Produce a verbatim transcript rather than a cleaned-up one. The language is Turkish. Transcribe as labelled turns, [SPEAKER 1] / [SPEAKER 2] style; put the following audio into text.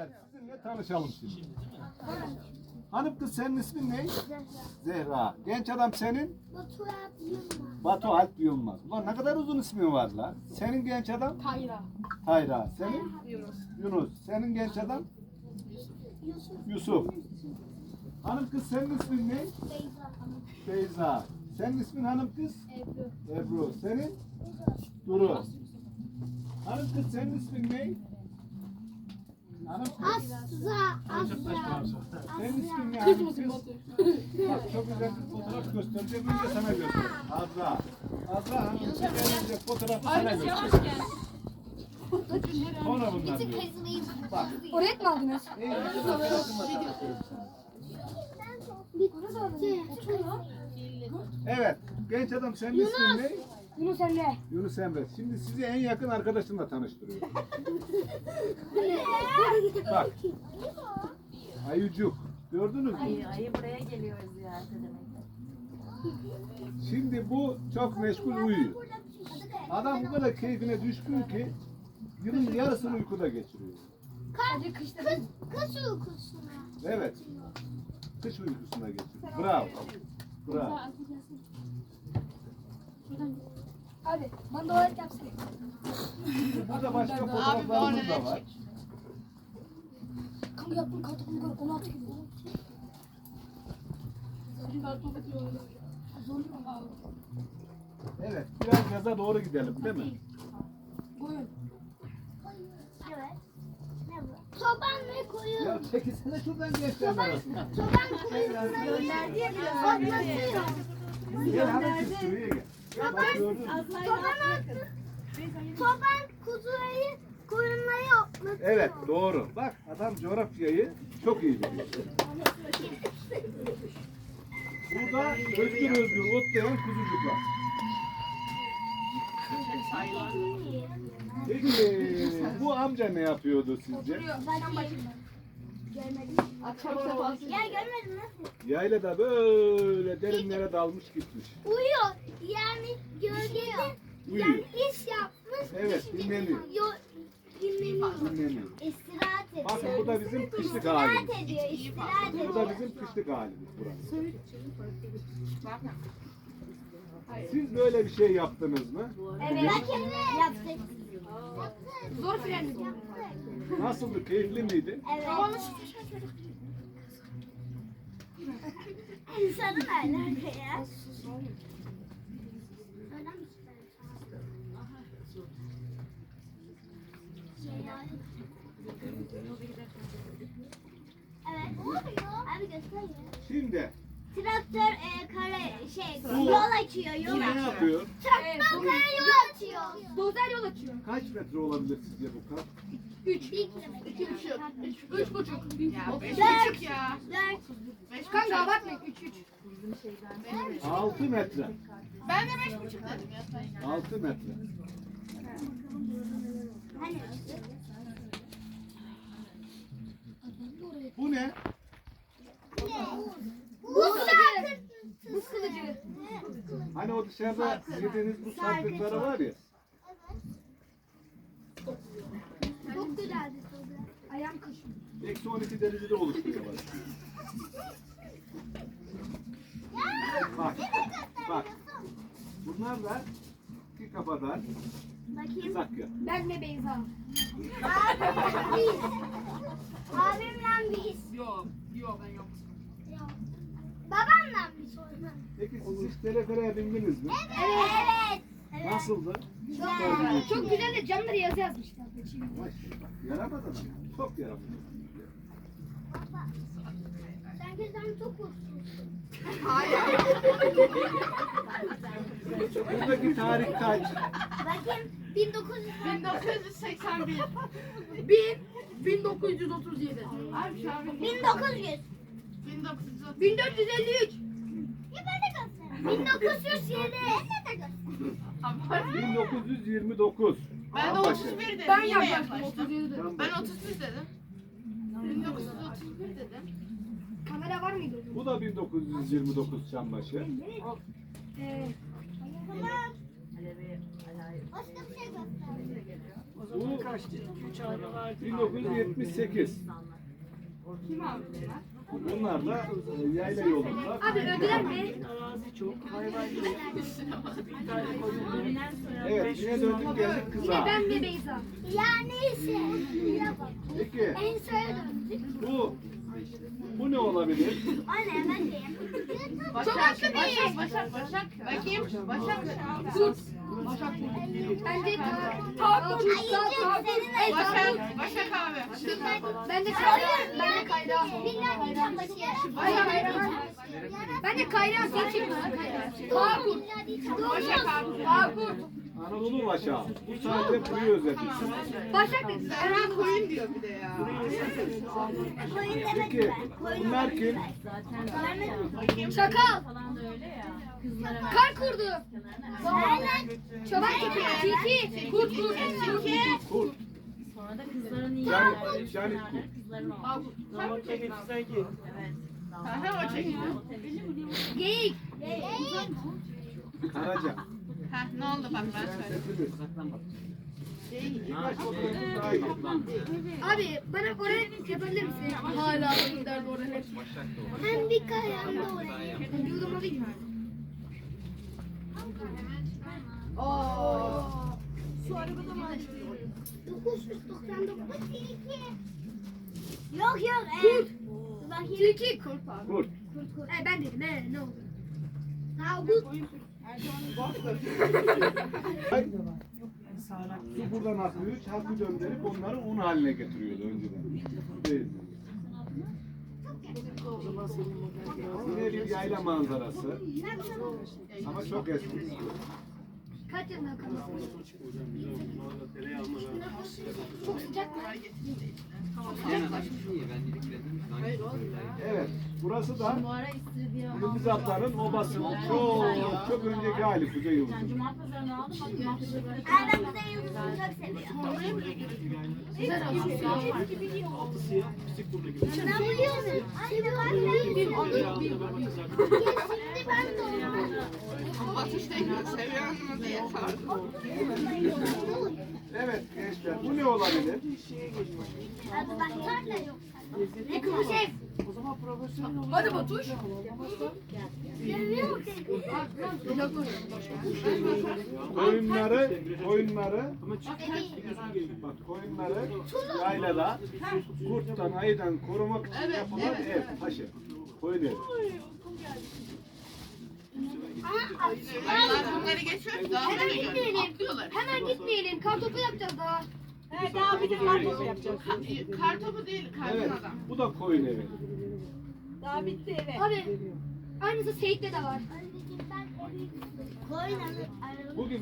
[SPEAKER 1] Evet, sizinle tanışalım şimdi. Hanım kız, senin ismin ne?
[SPEAKER 2] Zehra.
[SPEAKER 1] Zehra. Genç adam senin?
[SPEAKER 2] Batu Alp Yılmaz.
[SPEAKER 1] Batu Alp Yılmaz. Ulan ne kadar uzun ismin var lan. Senin genç adam?
[SPEAKER 3] Tayra.
[SPEAKER 1] Hayra. Senin?
[SPEAKER 3] Yunus.
[SPEAKER 1] Yunus. Senin genç adam?
[SPEAKER 2] Yusuf.
[SPEAKER 1] Yusuf. Hanım kız, senin ismin ne?
[SPEAKER 2] Beyza.
[SPEAKER 1] Beyza. Senin ismin hanım kız?
[SPEAKER 2] Ebru.
[SPEAKER 1] Ebru. Senin? Duru. Hanım kız, senin ismin ne? Hanım kız.
[SPEAKER 2] Asra. Asra.
[SPEAKER 1] Senin ismin ne?
[SPEAKER 3] Kız
[SPEAKER 1] Hanım
[SPEAKER 3] mısın
[SPEAKER 1] kız?
[SPEAKER 3] Batu?
[SPEAKER 1] Bak, çok güzel bir fotoğraf göstereceğim. Önce sana göstereyim. Azra. Azra hanım kız, önce fotoğrafı sana
[SPEAKER 3] Ayrıca yavaş
[SPEAKER 1] göstereyim.
[SPEAKER 3] gel.
[SPEAKER 1] Sonra bunlar diyor. Bak.
[SPEAKER 3] Oraya mı aldınız?
[SPEAKER 1] En yakın arkadaşımla tanıştırayım sana.
[SPEAKER 2] Bitti.
[SPEAKER 1] Evet. Genç adam, senin ismin ne?
[SPEAKER 3] Yunus Emre.
[SPEAKER 1] Yunus Emre. Şimdi sizi en yakın arkadaşımla tanıştırıyorum. Bak. Ayıcuk. Gördünüz mü?
[SPEAKER 4] Ayı, ayı buraya geliyor ziyarete demek.
[SPEAKER 1] Şimdi bu çok meşgul uyuyor. Adam bu kadar keyfine düşkün ki yılın yarısını uykuda geçiriyor.
[SPEAKER 3] Hadi kışta
[SPEAKER 2] Kız, kız uykusuna.
[SPEAKER 1] Evet. Kış uykusuna geçiriyor. Bravo. Bravo.
[SPEAKER 3] Abi bana tuvalet yapsın.
[SPEAKER 1] Burada başka fotoğraflarımız da var.
[SPEAKER 3] Kanka yaptım kartopunu gör on altı gibi.
[SPEAKER 1] Evet. Biraz yaza doğru gidelim, değil mi?
[SPEAKER 3] Buyurun.
[SPEAKER 2] Evet. Ne bu? Çoban ve koyun.
[SPEAKER 1] Ya çekilsene şuradan gençlerin arasına.
[SPEAKER 2] Çoban koyun. Gönderdi ya. Otlatıyor.
[SPEAKER 1] Gel hanım kız, şuraya gel. Bak gördün mü?
[SPEAKER 2] Çoban attı. Çoban kuzuyu koyunları otlatıyor.
[SPEAKER 1] Evet, doğru. Bak, adam coğrafyayı çok iyi biliyor. Burada özgür özgür otlayan kuzucuklar. Peki bu amca ne yapıyordu sizce?
[SPEAKER 3] Akşam sefası.
[SPEAKER 2] Ya görmedin mi?
[SPEAKER 1] Yaylada böyle derinlere dalmış gitmiş.
[SPEAKER 2] Uyuyor. Yani gölgede
[SPEAKER 1] Uyuyor.
[SPEAKER 2] yani iş yapmış.
[SPEAKER 1] Evet,
[SPEAKER 2] işte
[SPEAKER 1] dinleniyor.
[SPEAKER 2] Yo, dinleniyor.
[SPEAKER 1] Dinleniyor.
[SPEAKER 2] İstirahat ediyor.
[SPEAKER 1] Bakın bu da bizim kışlık
[SPEAKER 2] İstirahat
[SPEAKER 1] halimiz.
[SPEAKER 2] ediyor. İstirahat ediyor.
[SPEAKER 1] Bu da bizim kışlık halimiz burası. Siz böyle bir şey yaptınız mı?
[SPEAKER 2] Evet. Yaptık.
[SPEAKER 3] Zor frenli.
[SPEAKER 1] Nasıldı? Keyifli miydi?
[SPEAKER 2] Evet. İnsanın alaka ya. Evet. Abi göster.
[SPEAKER 1] Şimdi
[SPEAKER 2] Traktör e, kare şey
[SPEAKER 1] Bu-
[SPEAKER 2] yol açıyor
[SPEAKER 1] bu
[SPEAKER 2] yol
[SPEAKER 1] ne
[SPEAKER 2] açıyor.
[SPEAKER 1] yapıyor?
[SPEAKER 2] Traktör kare yol açıyor.
[SPEAKER 3] Dozer yol açıyor.
[SPEAKER 1] Kaç metre olabilir sizce bu kat?
[SPEAKER 3] Üç.
[SPEAKER 2] Bir kilometre.
[SPEAKER 3] İki buçuk. Üç, üç buçuk.
[SPEAKER 2] Dört. ya. Dört.
[SPEAKER 3] Kanka abartmayın. Üç üç.
[SPEAKER 1] altı metre.
[SPEAKER 3] Ben de beş buçuk dedim ya.
[SPEAKER 1] altı metre.
[SPEAKER 2] Hani?
[SPEAKER 1] Bu ne?
[SPEAKER 2] Bu kılıcı.
[SPEAKER 3] Bu kılıcı.
[SPEAKER 1] Hani o dışarıda yediğiniz bu sarkıkları var ya.
[SPEAKER 2] Çok güzeldi soru.
[SPEAKER 3] Ayağım kaşıyor.
[SPEAKER 1] Eksi on iki derecede oluşturuyor bak. Bak. Bak. Bunlar da iki kafadan
[SPEAKER 2] Bakayım.
[SPEAKER 1] sakya.
[SPEAKER 3] Ben ve Beyza.
[SPEAKER 2] Abimle biz. Abimle biz.
[SPEAKER 3] Yok. Yok ben yok.
[SPEAKER 2] Babamla biz.
[SPEAKER 1] Peki siz hiç telefereye bindiniz mi?
[SPEAKER 2] Evet. Evet.
[SPEAKER 1] Nasıldı?
[SPEAKER 2] Güzel.
[SPEAKER 3] Çok güzel de camları yazı yazmışlar.
[SPEAKER 1] Maşallah. Yaramadı mı? Çok yaramadı.
[SPEAKER 2] Sen gözden çok uçsun.
[SPEAKER 1] Buradaki tarih kaç?
[SPEAKER 2] Bakayım bin dokuz yüz.
[SPEAKER 3] bin dokuz yüz seksen bir. bin bin dokuz yüz otuz yedi. Abi şu an
[SPEAKER 2] bin dokuz yüz.
[SPEAKER 3] bin dokuz yüz otuz. bin dört yüz elli üç.
[SPEAKER 2] Ya ben de göster. bin dokuz yüz yedi. Ben de göster.
[SPEAKER 1] bin dokuz yüz yirmi dokuz.
[SPEAKER 5] Ben de
[SPEAKER 1] Ambaşı.
[SPEAKER 5] otuz bir dedim.
[SPEAKER 3] Ben
[SPEAKER 5] yine
[SPEAKER 3] yaklaştım
[SPEAKER 5] yaklaştım.
[SPEAKER 3] otuz yedi dedim.
[SPEAKER 5] Ben otuz bir dedim. bin dokuz yüz otuz bir dedim.
[SPEAKER 3] Kamera var mıydı?
[SPEAKER 1] Bu da bin dokuz yüz yirmi dokuz Çambaşı.
[SPEAKER 3] Ee,
[SPEAKER 2] Başka bir şey göster.
[SPEAKER 1] Bu bin dokuz yüz yetmiş sekiz.
[SPEAKER 3] Kim abi bunlar?
[SPEAKER 1] Bunlar da e, yayla yolunda.
[SPEAKER 2] Abi öldüler mi?
[SPEAKER 6] Arazi çok, hayvan yok. Bir tane koyun var.
[SPEAKER 1] Evet, yine döndük geldik
[SPEAKER 2] Yine
[SPEAKER 1] kıza.
[SPEAKER 2] ben ve Beyza. Ya neyse.
[SPEAKER 1] Peki,
[SPEAKER 2] En sona döndük.
[SPEAKER 1] bu bu ne olabilir?
[SPEAKER 2] Anne ben de.
[SPEAKER 3] Başak, Başak, Başak, Başak. Bakayım, Başak. Kurt. Başak kurt.
[SPEAKER 2] Bence
[SPEAKER 3] Takut.
[SPEAKER 2] Takut.
[SPEAKER 3] Başak, Başak abi.
[SPEAKER 2] Ben de Kayra. Ben de Kayra. Başak. Ben de Kayra. Sen kim lan? Takut.
[SPEAKER 3] Başak abi. Takut.
[SPEAKER 1] Anadolu Başağı. Bu sadece kuyu özeti.
[SPEAKER 2] Başak dedi.
[SPEAKER 3] Erhan koyun diyor bir de ya.
[SPEAKER 1] Peki, bunlar kim?
[SPEAKER 2] Çakal.
[SPEAKER 4] Falan da öyle ya. Kızlara ver.
[SPEAKER 2] Kar kurdu. Çoban köpeği. Tilki. Kurt kurt. Tilki.
[SPEAKER 1] Kurt.
[SPEAKER 4] Sonra da kızların iyi
[SPEAKER 1] Canik,
[SPEAKER 4] yerleri.
[SPEAKER 1] canik kurt.
[SPEAKER 4] Kızların oldu.
[SPEAKER 3] Takut.
[SPEAKER 6] Zaman çekip sanki.
[SPEAKER 4] Evet.
[SPEAKER 3] Aha o çekiyor.
[SPEAKER 2] Geyik.
[SPEAKER 1] Karaca.
[SPEAKER 3] Ha ne oldu bak ben söyleyeyim.
[SPEAKER 1] Sesimiz. Birkaç fotoğrafımız daha iyi.
[SPEAKER 2] Abi bana oraya yapabilir misin? Hala derdi oraya. Hem bir kayağım da oraya. Yudum alayım mı?
[SPEAKER 3] Oo.
[SPEAKER 2] Şu arabada mı? dokuz yüz doksan dokuz tilki. Yok yok. Kurt. Tilki kurt abi.
[SPEAKER 1] Kurt.
[SPEAKER 2] Kurt kurt. E, ben dedim he ne oldu? Tavuk.
[SPEAKER 1] Ay, su buradan akıyor, çarpı döndürüp onları un haline getiriyordu önceden. Değil. Yine bir yayla manzarası. Ama çok eski.
[SPEAKER 2] Kaç yılında kalıyorsun? Çok sıcak mı?
[SPEAKER 1] Evet, burası da
[SPEAKER 4] Bu ara istiridye
[SPEAKER 1] Yıldızatların obasının çok çok önceki hali Kuzey Yıldızı.
[SPEAKER 4] Ben Cuma pazarını aldım. Bak Cuma pazarı böyle.
[SPEAKER 2] Ben Kuzey Yıldızı'nı çok seviyorum. Ben biliyorum. Anne ben de bir Şimdi ben de onu.
[SPEAKER 3] Batış tekniği seviyorsunuz diye sordum.
[SPEAKER 1] Evet gençler, bu ne olabilir?
[SPEAKER 2] Abi bak da yok. Ne kuşek?
[SPEAKER 6] O zaman profesyonel olur.
[SPEAKER 3] Hadi Batuş.
[SPEAKER 2] Seviyor musun?
[SPEAKER 1] Koyunları, koyunları, bak koyunları yaylada kurttan, ayıdan korumak için yapılan ev, taşı. Koyun evi.
[SPEAKER 3] Ayılar bunları geçiyor. Daha
[SPEAKER 2] Hemen
[SPEAKER 3] da
[SPEAKER 2] gitmeyelim.
[SPEAKER 3] atlıyorlar.
[SPEAKER 2] Hemen gitmeyelim. Kartopu yapacağız daha.
[SPEAKER 3] Kar topu değil, kardan
[SPEAKER 1] Evet,
[SPEAKER 3] adam.
[SPEAKER 1] bu da koyun evi.
[SPEAKER 2] Abi aynısı Seyit'te de var.
[SPEAKER 1] Bugün